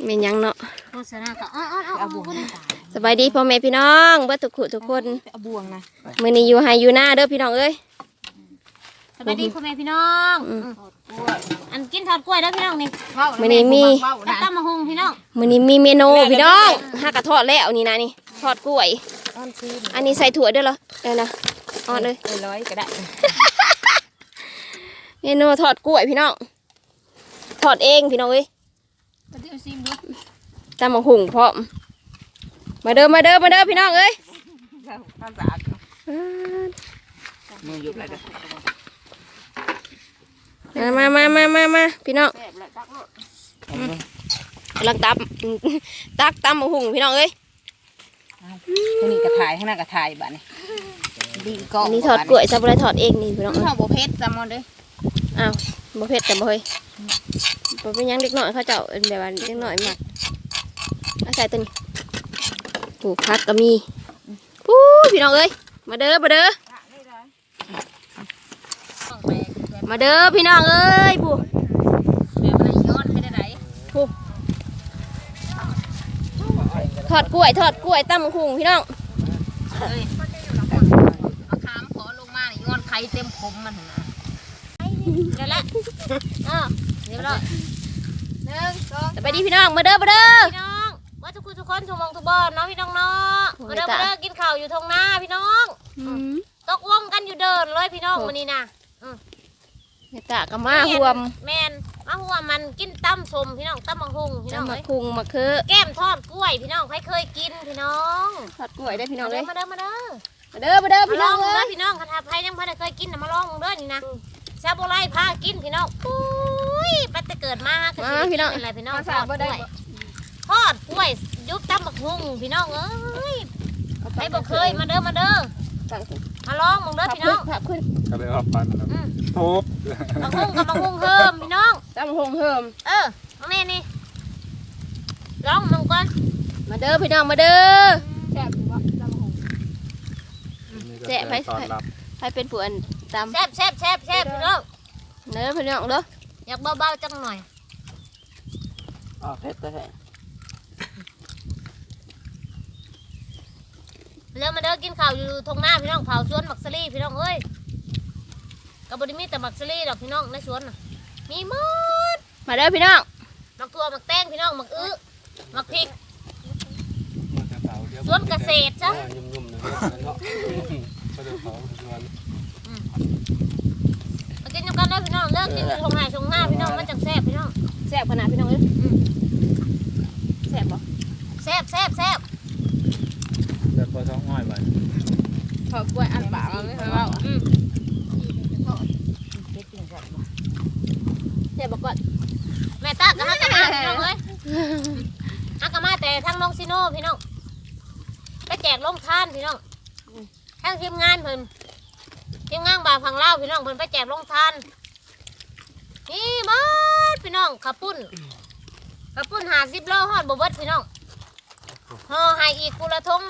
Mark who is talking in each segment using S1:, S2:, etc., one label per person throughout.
S1: เมนยังเนาะ
S2: โฆษณาก็เอาบวง
S1: สบายดีพ่อแม่พี่น้องเบิดทุกคน
S2: เอาบวงนะ
S1: มื้อนี้อยู่ไฮอยู่หน้าเด้อพี่น้องเอ้ย
S2: สบายดีพ่อแม่พี่น้องอันกินทอดกล้วยเด้อพี่น้องนี่
S1: มื้อนี้มี
S2: ตั้มมะฮุงพี่น้อง
S1: มื้อนี้มีเมนูพี่น้องห้ากระทอดแล้วนี่นะนี่ทอดกล้วยอันนี้ใส่ถั่วด้วยเหรอนะอ่อนเลย
S2: ร้อยก็ได้
S1: เมนูทอดกล้วยพี่น้องทอดเองพี่น้องเอ้ยตำบักหุ่งพร้อมมาเด้อพี่น้องเอ้ย
S3: มือหยุดอะไรกัน
S1: มาพี่น้องกำลังตักตำบักหุ่งพี่น้องเอ้ย
S2: ข้างนี้กระถ่ายข้างหน้ากระถ่ายบ้านนี่
S1: ดีก็นี่ทอดกล้วยซาบุไรทอดเองนี่พี่น้อง
S2: ทอดโบเพชรจำมันเลย
S1: อ้าวโบเพชรจำบ่เฮ้ยบ่เป็นยังเล็กน้อยเขาเจ้าแบบว่าเล็กน้อยมากเอาใส่ตัวนี้ปลูกผักก็มีปู้พี่น้องเอ้ยมาเด้อพี่น้องเอ้ยปู
S2: แบบอะไรย้อนไม่ได้ไหน
S1: ปูทอดกล้วยตำบักหุ่งพี่น้อง
S2: เอาขามขอลงมาย้อนไข่เต็มผมมันนะนั่นแหละเรียบร้อย
S1: 1 2ไปดีพี่น้องมาเด้อ
S2: พี่น้องว่าทุกคนทุกมองทุกบอลเนาะพี่น้องเนาะมาเด้อกินข้าวอยู่ทงหน้าพี่น้องตกวงกันอยู่เดินเลยพี่น้องวันนี้นะ
S1: ตะกับมาห่วม
S2: แมนมาห่วมมันกินตั้มสมพี่น้องตั้มมังคุงพี่น้อง
S1: มังคุงมะเขือ
S2: แก้มทอดกล้วยพี่น้องใครเคยกินพี่น้อง
S1: ทอดกล้วยได้พี่น้องเลย
S2: มาเด้อ
S1: พี่น้อง
S2: เลยพี่น้องคาถาไพ่ยังพันเคยกินมาลองเด้อนี่นะชาโบไลพากินพี่น้องปุ้ยปัตตะเกิดมา
S1: พี่น้อง
S2: อะไรพี่น้องทอดกล้วยยุบตั้มมังคุงพี่น้องเอ้ยใครบอกเคยมาเด้อมาลองมึงเด้อพี่น้อง
S3: ก็เลยว่าปันทุบ
S2: มังคุงกับมังคุงเพิ่มพี่น้อง
S1: ตำบักหุ่งเพิ่ม
S2: น้องนี่ลองมึงก่อน
S1: มาเด้อพี่น้องมาเด้อแซ่บใครเป็นผู้อันตำ
S2: แซ่บพี่น้อง
S1: เด้อพี่น้องเด้อ
S2: อยากเบาๆจังหน่อย
S3: เผ็ดแต่
S2: แล้วมาเด้อกินข้าวอยู่ทงหน้าพี่น้องเผาสวนมักซลี่พี่น้องเอ้ยกับบริมีแต่มักซลี่ดอกพี่น้องในสวนมีหมด
S1: มาเด้อพี่น้อง
S2: มักทั่วมักแตงพี่น้องมักมักพริกสวนเกษตรจ้ะมากินกันได้พี่น้องเลิกกินทงหน้าพี่น้องมันจังแซ่บพี่น้อง
S1: แซ่บขนาดพี่น้องเอ้ยแซ่บบ่
S2: แซ่บ
S3: แบบพอท้องง่อยไป
S1: ทอดกล้วยอันปากมันไม่เคยว่าเจ็บบอกก่อน
S2: แม่ตากับฮักกะมาพี่น้องเอ้ยฮักกะมาแต่ทั้งน้องซิโน่พี่น้องไปแจกลงทานพี่น้องทั้งทีมงานเพิ่นทีมงานบ่าวฝั่งลาวพี่น้องเพิ่นไปแจกลงทานนี่บ้านพี่น้องขับปุ้น50 โลฮอดบ่เบิดพี่น้องห่อให้อีกกุละทง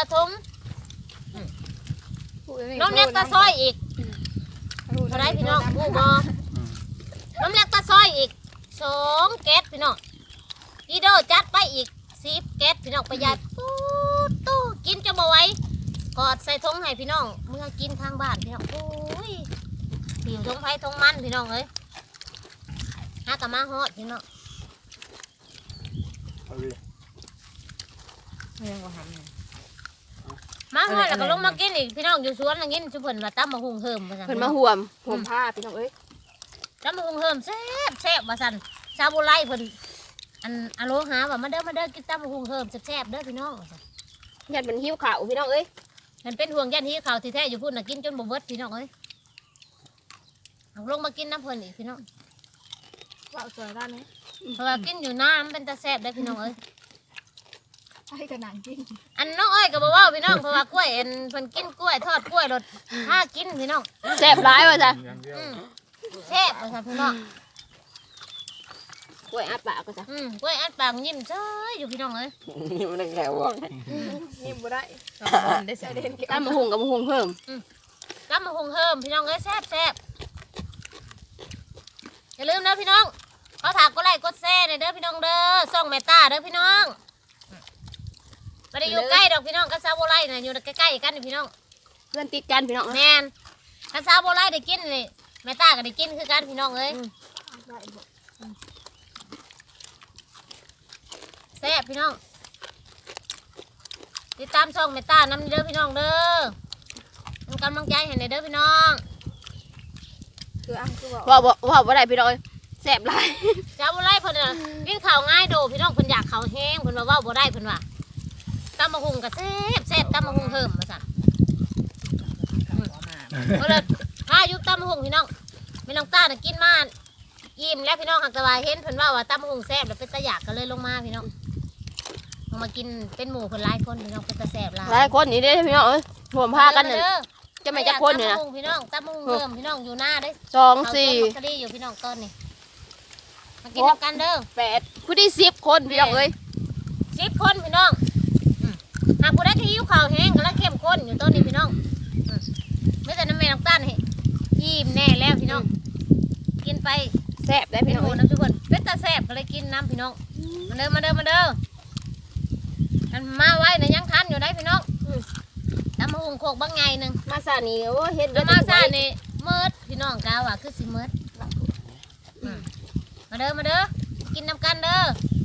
S2: น้ำเล็กตาซอยอีกเท่าไรพี่น้องบูบอน้ำเล็กตาซอยอีก2 แก๊สพี่น้องอีโดจัดไปอีก10 แก๊สพี่น้องประหยัดตู้กินจะบ่ไหวกอดใส่ทงให้พี่น้องเมื่อกินทางบ้านพี่น้องโอ้ยผิวทงไผ่ทงมันพี่น้องเอ้ยหากะมาฮอดพี่น้องมาฮอดแล้วก็ลงมากินอีกพี่น้องอยู่สวนอย่างนี้ชุบเพิ่นมาตั้มมาหุงเฮิมว่าซั่น
S1: เพิ่นมาห่วมผ้าพี่น้องเอ้ย
S2: ตั้มมาหุงเฮิมแซ่บว่าซั่นชาวโบราณเพิ่นอโลหาว่ามาเด้อกินตั้มมาหุงเฮิมแซ่บเด้อพี่น้อง
S1: ยันเป็นหิ้วข่าวพี่น้องเอ้ย
S2: มันเป็นห่วงยันหิ้วข่าวที่แท้อยู่พุ่นน่ะกินจนบ่เบิดพี่น้องเอ้ยลงมากินน้ำเพิ่นอีกพี่น้อง
S1: ว่าสวยด้านนี้
S2: เพราะว่ากินอยู่น้ำเป็นตาแซ่บได้พี่น้องเอ้ย
S1: ให้กระหนังกิน
S2: อันน้องเอ้ยก็บอกว่าพี่น้องเพราะว่ากล้วยเพิ่นกินกล้วยทอดกล้วยรสถ้ากินพี่น้อง
S1: แซ่บร้ายว่ะจ้ะ
S2: แซ่บว่ะจ้ะพี่น้อง
S1: กล้วยอัดปากก็จ้ะ
S2: กล้วยอัดปากยิ้มเฉยอยู่พี่น้องเอ้ย
S3: ยิ้มได้แค่ว่า
S1: ยิ้มบ่ได้ตำบักหุ่งกับบักหุ่งเพิ่ม
S2: ตำบักหุ่งเพิ่มพี่น้องเอ้ยแซ่บอย่าลืมนะพี่น้องเขาถามก็ไลค์กดแชร์เด้อพี่น้องเด้อส่องแม่ตาเด้อพี่น้องไม่ได้อยู่ใกล้ดอกพี่น้องกับซาโบไลน่ะอยู่ใกล้ๆกันนี่พี่น้อง
S1: เพื่อนติดกันพี่น้อง
S2: แม่นกับซาโบไลได้กินนี่แม่ตาก็ได้กินคือกันพี่น้องเอ้ยแซ่บพี่น้องติดตามช่องแม่ตานำเด้อพี่น้องเด้อเป็นกำลังใจให้ในเด้อพี่น้อง
S4: คืออ่ะคือบอก
S1: ว่าบ่ได้พี่น้องเอ้ยแซ่บหลาย
S2: ซาโบไลเพิ่นน่ะกินข้าวง่ายโดพี่น้องเพิ่นอยากข้าวแห้งเพิ่นว่าเว้าบ่ได้เพิ่นว่าตำมะฮุงก็แซ่บตำมะฮุงเพิ่มมาสั่นก็เลยถ้าอยู่ตำมะฮุงพี่น้องไม่น้องตาน่ะกินมาอิ่มแล้วพี่น้องหักตะวายเห็นเพิ่นว่าตำมะฮุงแซ่บแล้วเป็นตะอยากก็เลยลงมาพี่น้องลงมากินเป็นหมู่เพิ่นหลายคนพี่น้องเป็นตะแซ่บหลาย
S1: หลายคนนี่เด้อพี่น้องเอ้ยรวมพากันน่ะจะไม่จักคนนี่นะ
S2: ตำมะฮุงพี่น้องตำมะฮุงเพิ่มพี่น้องอยู่หน้าเด้
S1: 2 4
S2: เอาตัวมักกะดีอยู่พี่น้องต้นนี่มากินกันเด้อ
S1: 8ผู้ที่10คนพี่น้องเอ้ย
S2: 10 คนพี่น้องหากผู้ใดที่หิวข้าวแห้งก็แล้วเข้มข้นอยู่ต้นนี้พี่น้องไม่แต่น้ำแม่น้ำตาลให้อิ่มแน่แล้วพี่น้องกินไป
S1: แซ่บได้
S2: พี่
S1: พี่
S2: น้
S1: น้
S2: อ
S1: อง ง
S2: น้ำทุกคนเป็นตาแซ่บก็เลยกินน้ำพี่น้องมาเด้ออันมาไว้นะยังทันอยู่ได้พี่น้องตำมะฮุงโคกบางไงหนึ่ง
S1: มาซานี่โอ้เฮ็ด
S2: แล้วมาซ่านี่เมิดพี่น้องกาว่าคือสิเมิดมาเด้อกินน้ำกันเด้อ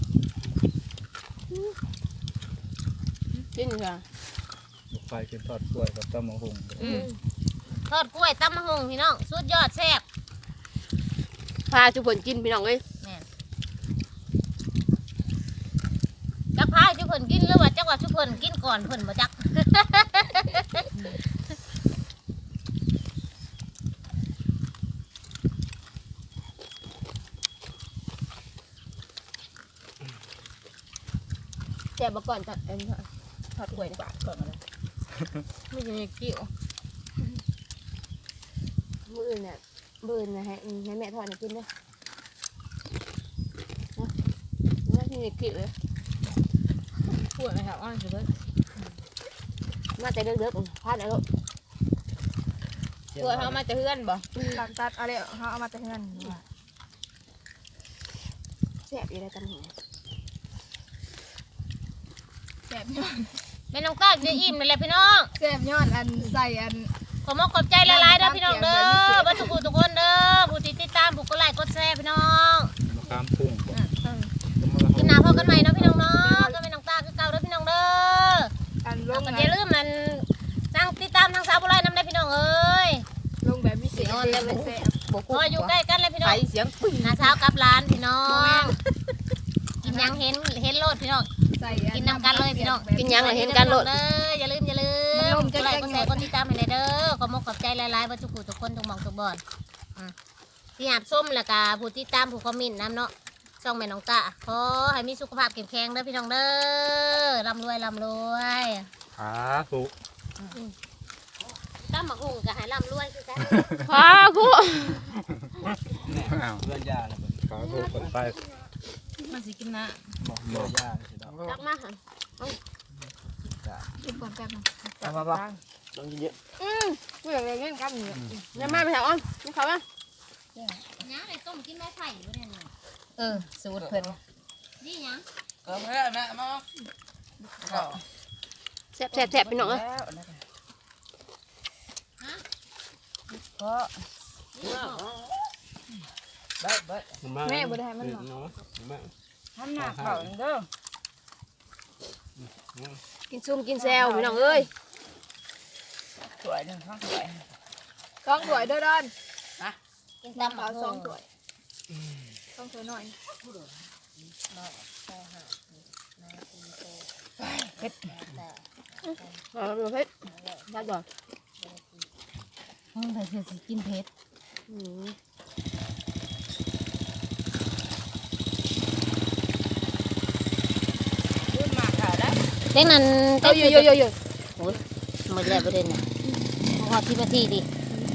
S1: กินค่ะ
S3: ไฟกินทอดกล้วยกับตำมะฮุง
S2: ทอดกล้วยตำมะฮุงพี่น้องสุดยอดแซ่บ
S1: พาทุกคนกินพี่น้องเอ้ย
S2: แม่นจักพายชุเพิ่นกินหรือว่าจักว่าชุเพิ่นกินก่อนเพิ่นบ่จัก
S1: แซ่บบ่ก่อนจัดทอดกล้วย
S4: บาทก่อนมาเลยไม่ใช่กิ้ว
S1: มื้ออื่นน่ะมื้ออื่นน่ะให้แม่ทอดให้กินเด้อนะที่นี่กินเลย
S4: ปวดไหมครับอ้อนสุดเลย
S1: มาแต่เด็กๆพาดแล้วลูก
S4: ปวดเขามาจะเฮือนบ่ตัดอะไรเขาเอามาจะเฮือน
S1: แซ่บอยู่ได้ตำหู
S4: แสบย้อน
S2: แม่น้องตาจะอิ่มนั่นแหละพี่น้อง
S4: แสบย้อนอันใส่อัน
S2: ขอมขอบใจหลายๆเด้อพี่น้องเด้อบ่ทุกผู้ทุกคนเด้อผู้ที่ติดตามผู้กดไลค์กดแชร์พี่น้อง
S3: มะขามพุ่งบ่
S2: กินน้ำพอกันใหม่เนาะพี่น้องเนาะก็แม่น้องตาคือเก่าเด้อพี่น้องเด้อ
S4: อันล
S2: แล้ว
S4: ง
S2: ก็อย่าลืมมันนั่งติดตามทางสาวบุไรน้ำได้พี่น้องเอ้ย
S4: ลงแบบพิเศษเลยมันแสบ
S2: พออยู่ใกล้กันเลยพี่น้อง
S4: เสียงปึ้ง
S2: น้าสาวกับร้านพี่น้องกินยังเห็นโลดพี่น้อง
S4: ใส่
S2: กินน้ำกันเลยพี่น้อง
S1: กินยังล่ะเห็นกันโลด
S2: เด้ออย่าลืมกดไลค์กดแชร์กดติดตามให้ได้เด้อขอมขอบใจหลายๆว่าทุกผู้ทุกคนทุกหม่องทุกบ่อนที่หาบส้มแล้วก็ผู้ติดตามผู้คอมเมนต์น้ำเนาะช่องแม่น้องตาขอให้มีสุขภาพแข็งแรงเด้อพี่น้องเด้อร่ำรวย
S3: ขาสุ
S2: ตั้มหมักหุ่งก็ให้ร่ำรวยคือกัน
S1: พากู
S3: อ้าวเลื่อนยาแล้วขาสุคนไป
S4: มันสิกินนะ
S3: บอกเลื่อนยาสิดอก
S1: ตักมาค่ะ
S4: กินก่อนกัน
S3: เอามาบ่ต้องเยอะ
S4: เมื่อไรเล่นกันเนี่ย
S1: น้ำมาไปแถวอ้อมนี่เขาว่า
S2: น้าเลยต้มกินไม้ไผ่อยู่เนี่ย
S4: สูตรเพิ่น
S2: นี่ยัง
S3: ก็ไม่ได้แม่มาก็
S1: แซ่บพี่น้องเอ้ย
S4: ก็
S3: แม่
S4: บ่ได้มันหรอก
S3: แม่
S4: ทำหนักเขาเด้อ
S1: กินซุ่มกินแซวพี่น้องเอ้ย
S4: สวยหนึ่งข้างสวยต้องสวยเด้อดอน
S2: กินตำหมั
S4: เอา
S2: ก
S4: สอ
S2: หุ่
S4: ง
S2: ง
S4: สวยต้องสวยหน่อย
S1: เอาประเภทได้ก่อน
S2: แต่เธอสิกินเผ็ด
S4: รุ่นมากค่ะได้
S2: เด็กนั้น
S1: เอาอยู่
S2: หมดแล้วประเด็นน่ะพอ10 นาทีดิ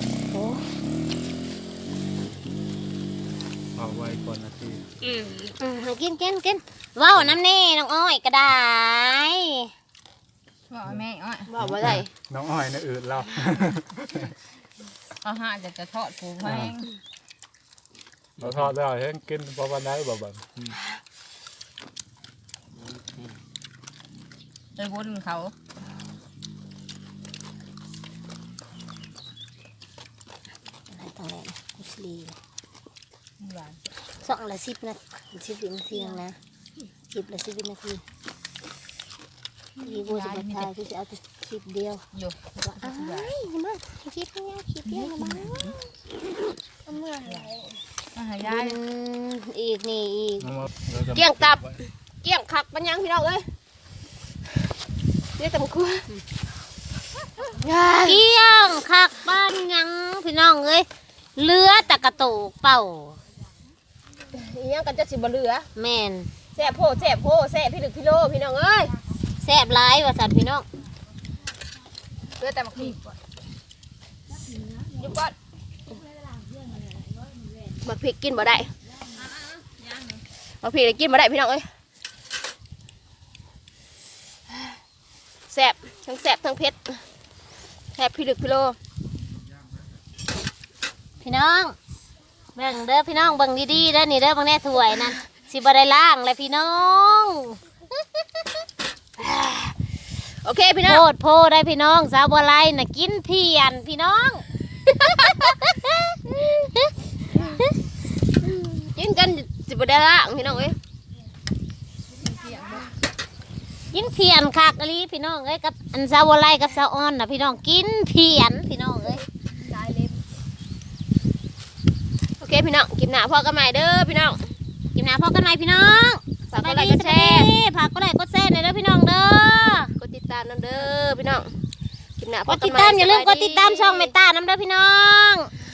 S3: เอาไว้ก่อนนาที
S2: กินว้าวน้ำนี่น้องอ้อยก็ได้
S4: บอกแม่อ้อย
S1: บอกว่าได้
S3: น้องอ้อยนะอืดเรา
S4: เอาหาจะทอดผูแพง
S3: เราทอดได้เห็นกินพอวันไหนบ่บ่
S4: ไปวนเขา
S2: อะไรตรงไหนกุศลี
S4: หวาน
S2: สองละ10 นาที10 นาทีนะ10 ละ 10 นาทีที่กูจะไปถ่ายคือจะเอาแต่คลิปเดียว
S4: อยู่
S2: ว่าอ้ายมาคลิปเดียวคลิปเดียวนะบ้าเมื่อไหร่
S4: มาหายาย
S2: อีกนี่อีก
S1: เกี่ยงตับเกี่ยงคักปัญญังพี่น้องเอ้ยเรียกตำครัว
S2: เกี้ยงคักบ้านยังพี่น้องเอ้ยเรือตะกะโตกเป่า
S1: อีหยังกันจะสิบ่เหลือ
S2: แม่น
S1: แซ่บโพแซ่บโพแซ่บพี่ลึกพี่โลพี่น้องเอ้ย
S2: แซ่บหลายว่าสันพี่น้อง
S4: เลือแต่มาขีดยุบก่อน
S1: บักพริกกินบ่ได้บักพริกกินบ่ได้พี่น้องเอ้ยแซ่บทั้งแซ่บทั้งเผ็ดแซ่บพี่ลึกพี่โล
S2: พี่น้องเบิ่งเด้อพี่น้องเบิ่งดีๆเด้อนี่เด้อเบิ่งแน่ถ้วยนั่นสิบ่ได้ล้างเลยพี่น้อง
S1: โอเคพี่น้อง
S2: โพดโพได้พี่น้องสาวบัวไลน่ะกินเพียนพี่น้อง
S1: กินกันสิบ่ได้ละพี่น้องเอ้ย
S2: กินเพียนคักอลีพี่น้องเอ้ยกับอันสาวบัวไลกับสาวอ่อนน่ะพี่น้องกินเพียนพี่น้องเอ้ย
S4: ได้เล็บ
S1: โอเคพี่น้องกินหน้าพ่อกันใหม่เด้อพี่น้อง
S2: กินน้ำพอกันไหมพี่น้อง
S1: ฝากกดไลค์กดแชร์
S2: ฝากกดไลค์กดแชร์หน่อยเด้อพี่น้องเด้อก
S1: ดติดตามน้ำเด้อพี่น้องกินหน้าก พ่อ
S2: ด
S1: กัน
S2: ติด
S1: ใหม่
S2: ตามอย่าลืม
S1: ส
S2: ก
S1: บ
S2: ดติดตามช่องเมตตาน้ำเด้อพี่น้อง